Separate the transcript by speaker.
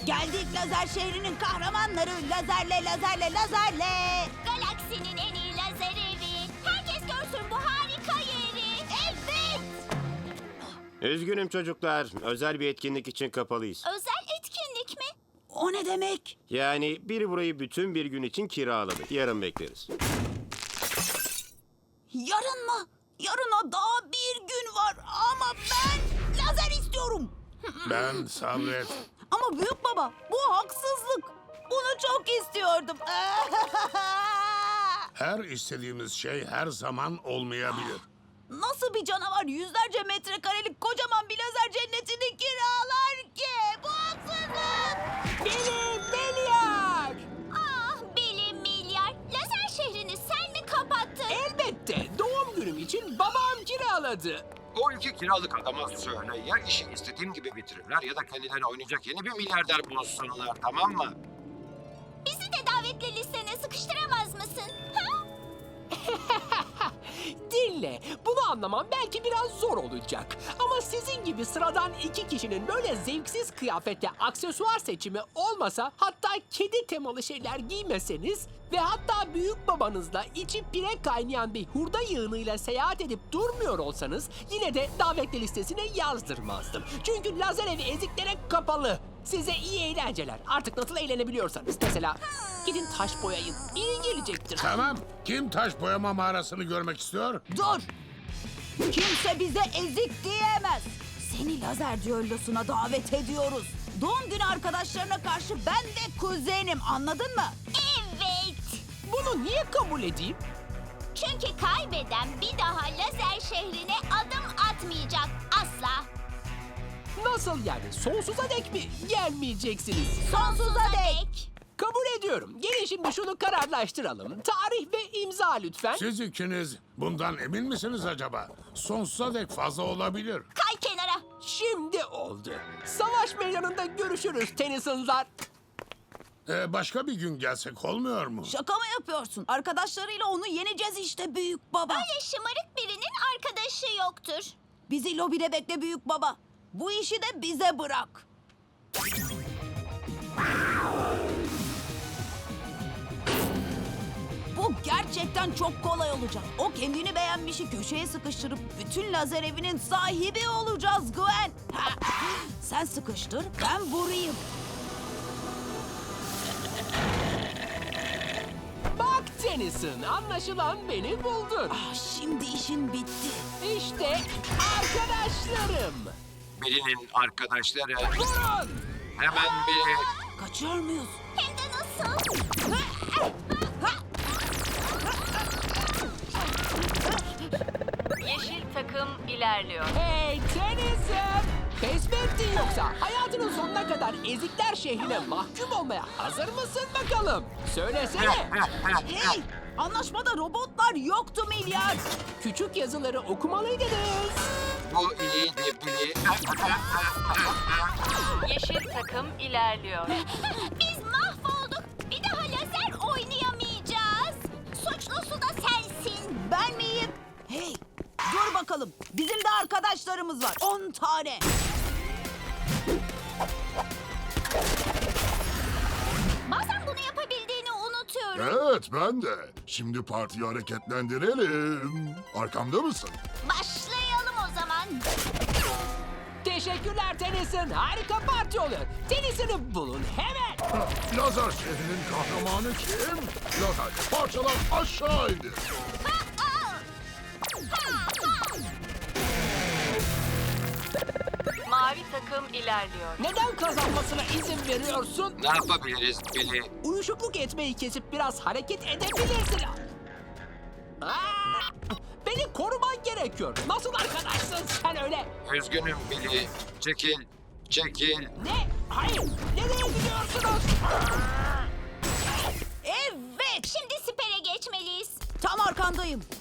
Speaker 1: Geldik lazer şehrinin kahramanları. Lazerle, lazerle, lazerle.
Speaker 2: Galaksinin en iyi lazer evi. Herkes görsün bu harika yeri. Evet.
Speaker 3: Üzgünüm çocuklar. Özel bir etkinlik için kapalıyız.
Speaker 2: Özel etkinlik mi?
Speaker 1: O ne demek?
Speaker 3: Yani biri burayı bütün bir gün için kiraladı. Yarın bekleriz.
Speaker 1: Yarın mı? Yarına daha bir gün var ama ben lazer istiyorum.
Speaker 4: Ben sabret.
Speaker 1: Ama büyük baba bu haksızlık. Bunu çok istiyordum.
Speaker 4: Her istediğimiz şey her zaman olmayabilir.
Speaker 1: Nasıl bir canavar yüzlerce metrekarelik kocaman bir lazer cennetini kiralar ki? Bu haksızlık.
Speaker 5: Benim milyar!
Speaker 2: Ah Billy Milyar. Lazer şehrini sen mi kapattın?
Speaker 5: Elbette doğum günüm için babam kiraladı.
Speaker 6: O iki kiralık adama söyle ya işi istediğim gibi bitirirler ya da kendilerine oynayacak yeni bir milyarder bulsunlar, tamam mı?
Speaker 2: Bizi de davetli listene sıkıştıramaz mısın? Ha?
Speaker 5: Dinle, bunu anlamam belki biraz zor olacak. Ama sizin gibi sıradan iki kişinin böyle zevksiz kıyafette aksesuar seçimi olmasa, hatta kedi temalı şeyler giymeseniz ve hatta büyük babanızla içi pire kaynayan bir hurda yığınıyla seyahat edip durmuyor olsanız yine de davetli listesine yazdırmazdım. Çünkü lazer evi eziklere kapalı. Size iyi eğlenceler. Artık nasıl eğlenebiliyorsanız. Mesela gidin taş boyayın. İyi gelecektir.
Speaker 4: Tamam. Kim taş boyama mağarasını görmek istiyor?
Speaker 1: Dur. Kimse bize ezik diyemez. Seni lazer düellosuna davet ediyoruz. Doğum günü arkadaşlarına karşı ben de kuzenim, anladın mı?
Speaker 2: Evet.
Speaker 5: Bunu niye kabul edeyim?
Speaker 2: Çünkü kaybeden bir daha lazer şehrine adım atmayacak asla.
Speaker 5: Nasıl yani? Sonsuza dek mi gelmeyeceksiniz?
Speaker 1: Sonsuza dek.
Speaker 5: Kabul ediyorum. Gelin şimdi şunu kararlaştıralım. Tarih ve imza lütfen.
Speaker 4: Siz ikiniz bundan emin misiniz acaba? Sonsuza dek fazla olabilir.
Speaker 2: Kay kenara.
Speaker 5: Şimdi oldu. Savaş meydanında görüşürüz Tennyson'lar.
Speaker 4: Başka bir gün gelsek olmuyor mu?
Speaker 1: Şaka mı yapıyorsun? Arkadaşlarıyla onu yeneceğiz işte büyük baba.
Speaker 2: Öyle şımarık birinin arkadaşı yoktur.
Speaker 1: Bizi lobide bekle büyük baba. Bu işi de bize bırak. Bu gerçekten çok kolay olacak. O kendini beğenmişi köşeye sıkıştırıp bütün lazer evinin sahibi olacağız Gwen. Ha, sen sıkıştır, ben vurayım.
Speaker 5: Bak Tennyson, anlaşılan beni buldun.
Speaker 1: Ah, şimdi işin bitti.
Speaker 5: İşte arkadaşlarım.
Speaker 6: Billy'nin arkadaşları
Speaker 5: Vurun!
Speaker 6: hemen bir...
Speaker 1: Kaçıyor muyuz?
Speaker 2: Hem de nasıl?
Speaker 7: Yeşil takım ilerliyor.
Speaker 5: Hey Tennyson! Pes mi ettin yoksa? Hayatının sonuna kadar ezikler şehrine mahkum olmaya hazır mısın bakalım? Söylesene.
Speaker 1: Hey! Anlaşmada robotlar yoktu milyar.
Speaker 5: Küçük yazıları okumalıydınız.
Speaker 6: Bu iyiydi Billy.
Speaker 7: Yeşil takım ilerliyor.
Speaker 2: Biz mahvolduk. Bir daha lazer oynayamayacağız. Suçlusu da sensin.
Speaker 1: Ben miyim? Hey! Dur bakalım. Bizim de arkadaşlarımız var. 10 tane.
Speaker 2: Bazen bunu yapabildiğini unutuyorum.
Speaker 8: Evet ben de. Şimdi partiyi hareketlendirelim. Arkamda mısın?
Speaker 2: Başlayalım o zaman.
Speaker 5: Teşekkürler Tennyson. Harika parti oluyor. Tennyson'ı bulun hemen.
Speaker 8: Lazer şehrinin kahramanı kim? Lazer parçalar aşağı indir.
Speaker 7: Mavi takım ilerliyor.
Speaker 5: Neden kazanmasına izin veriyorsun?
Speaker 6: Ne yapabiliriz Billy?
Speaker 5: Uyuşukluk etmeyi kesip biraz hareket edebilirsin. Aa! Beni koruman gerekiyor. Nasıl arkadaşsın sen öyle?
Speaker 6: Üzgünüm Billy. Çekil, çekil.
Speaker 5: Ne? Hayır. Nereye gidiyorsunuz?
Speaker 1: Evet.
Speaker 2: Şimdi sipere geçmeliyiz.
Speaker 1: Tam arkandayım.